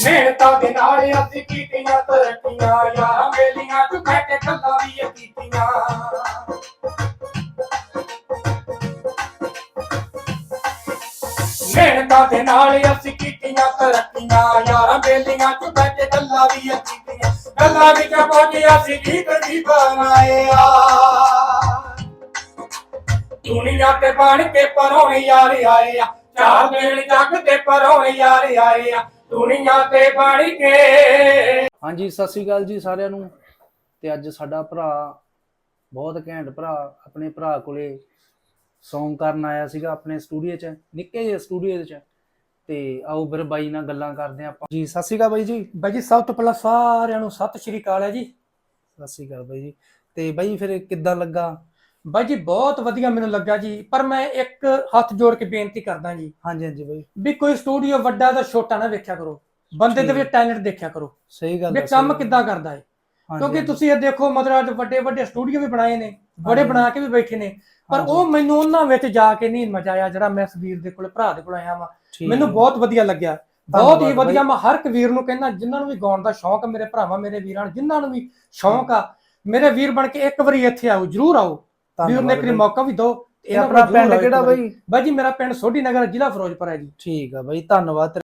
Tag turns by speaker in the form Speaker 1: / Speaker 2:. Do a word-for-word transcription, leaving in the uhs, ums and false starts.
Speaker 1: ਮਿਹਨਤਾਂ ਦੇ ਨਾਲ ਅਸੀਂ ਕੀਤੀਆਂ ਤਰੱਕੀਆਂ, ਯਾਰਾਂ ਬੇਲੀਆਂ ਚ ਬਹਿ ਕੇ ਗੱਲਾਂ ਵੀ ਕੀਤੀਆਂ। ਮਿਹਨਤਾਂ ਦੇ ਨਾਲ ਅਸੀਂ ਕੀਤੀਆਂ ਤਰੱਕੀਆਂ, ਯਾਰਾਂ ਬੇਲੀਆਂ ਚ ਬਹਿ ਕੇ ਗੱਲਾਂ ਵੀ ਕੀਤੀਆਂ। ਗੱਲਾਂ ਵਿੱਚ ਪਹੁੰਚੇ ਅਸੀਂ ਗੀਤ ਵੀ ਬਣਾਏ ਆ, ਦੁਨੀਆ ਤੇ ਬਣ ਕੇ ਪਰੋਣੇ ਯਾਰ ਆਏ ਆ, ਚਾਰ ਦਿਨ ਜੱਗ ਤੇ ਪਰੋਣੇ ਯਾਰ ਆਏ ਆ, ਦੁਨੀਆ ਤੇ ਬਣ ਕੇ।
Speaker 2: ਹਾਂਜੀ ਸਤਿ ਸ੍ਰੀ ਅਕਾਲ ਜੀ ਸਾਰਿਆਂ ਨੂੰ। ਤੇ ਅੱਜ ਸਾਡਾ ਭਰਾ ਬਹੁਤ ਘੈਂਟ ਭਰਾ ਆਪਣੇ ਭਰਾ ਕੋਲੇ ਸੌਂਗ ਕਰਨ ਆਇਆ ਸੀਗਾ ਆਪਣੇ ਸਟੂਡੀਓ 'ਚ, ਨਿੱਕੇ ਜਿਹੇ ਸਟੂਡੀਓ 'ਚ। ਤੇ ਆਓ ਫਿਰ ਬਾਈ ਨਾਲ ਗੱਲਾਂ ਕਰਦੇ ਆਪਾਂ ਜੀ। ਸਤਿ ਸ੍ਰੀ ਅਕਾਲ ਬਾਈ ਜੀ।
Speaker 1: ਬਾਈ ਜੀ ਸਭ ਤੋਂ ਪਹਿਲਾਂ ਸਾਰਿਆਂ ਨੂੰ ਸਤਿ ਸ਼੍ਰੀ ਅਕਾਲ ਹੈ ਜੀ।
Speaker 2: ਸਤਿ ਸ੍ਰੀ ਅਕਾਲ ਬਾਈ ਜੀ। ਤੇ ਬਾਈ ਫਿਰ ਕਿੱਦਾਂ ਲੱਗਾ?
Speaker 1: ਬਾਈ ਜੀ ਬਹੁਤ ਵਧੀਆ ਮੈਨੂੰ ਲੱਗਾ ਜੀ, ਪਰ ਮੈਂ ਇੱਕ ਹੱਥ ਜੋੜ ਕੇ ਬੇਨਤੀ ਕਰਦਾ ਜੀ।
Speaker 2: ਹਾਂਜੀ ਹਾਂਜੀ ਬਾਈ।
Speaker 1: ਵੀ ਕੋਈ ਸਟੂਡੀਓ ਵੱਡਾ ਜਾਂ ਛੋਟਾ ਨਾ ਵੇਖਿਆ ਕਰੋ, ਬੰਦੇ ਦੇ ਵਿੱਚ ਟੈਲੈਂਟ ਦੇਖਿਆ ਕਰੋ।
Speaker 2: ਸਹੀ ਗੱਲ
Speaker 1: ਵੀ
Speaker 2: ਹੈ।
Speaker 1: ਕੰਮ ਕਿੱਦਾਂ ਕਰਦਾ ਹੈ, ਕਿਉਂਕਿ ਤੁਸੀਂ ਇਹ ਦੇਖੋ ਮਤਲਬ ਅੱਜ ਵੱਡੇ ਵੱਡੇ ਸਟੂਡੀਓ ਵੀ ਬਣਾਏ ਨੇ, ਬੜੇ ਬਣਾ ਕੇ ਵੀ ਬੈਠੇ ਨੇ, ਪਰ ਉਹ ਮੈਨੂੰ ਉਹਨਾਂ ਵਿੱਚ ਜਾ ਕੇ ਨਹੀਂ ਮਜ਼ਾ ਆਇਆ ਜਿਹੜਾ ਮੈਂ ਇਸ ਵੀਰ ਦੇ ਕੋਲ ਭਰਾ ਦੇ ਕੋਲ ਆਇਆ ਵਾਂ। ਮੈਨੂੰ ਬਹੁਤ ਵਧੀਆ ਲੱਗਿਆ, ਬਹੁਤ ਹੀ ਵਧੀਆ। ਮੈਂ ਹਰ ਇੱਕ ਵੀਰ ਨੂੰ ਕਹਿੰਦਾ ਜਿਨ੍ਹਾਂ ਨੂੰ ਵੀ ਗਾਉਣ ਦਾ ਸ਼ੌਂਕ, ਮੇਰੇ ਭਰਾਵਾਂ ਮੇਰੇ ਵੀਰਾਂ ਜਿਨ੍ਹਾਂ ਨੂੰ ਵੀ ਸ਼ੌਂਕ ਆ, ਮੇਰੇ ਵੀਰ ਬਣ ਕੇ ਇੱਕ ਵਾਰੀ ਇੱਥੇ ਆਓ, ਜਰੂਰ ਆਓ। ਵੀਰ ਨੇ ਇੱਕ ਮੌਕਾ ਵੀ ਦਿਓ।
Speaker 2: ਆਪਣਾ ਪਿੰਡ ਕਿਹੜਾ ਬਾਈ?
Speaker 1: ਬਾਈ ਜੀ ਮੇਰਾ ਪਿੰਡ ਸੋਢੀ ਨਗਰ, ਜ਼ਿਲ੍ਹਾ ਫਿਰੋਜ਼ਪੁਰ ਹੈ ਜੀ।
Speaker 2: ਠੀਕ ਆ ਬਾਈ, ਧੰਨਵਾਦ।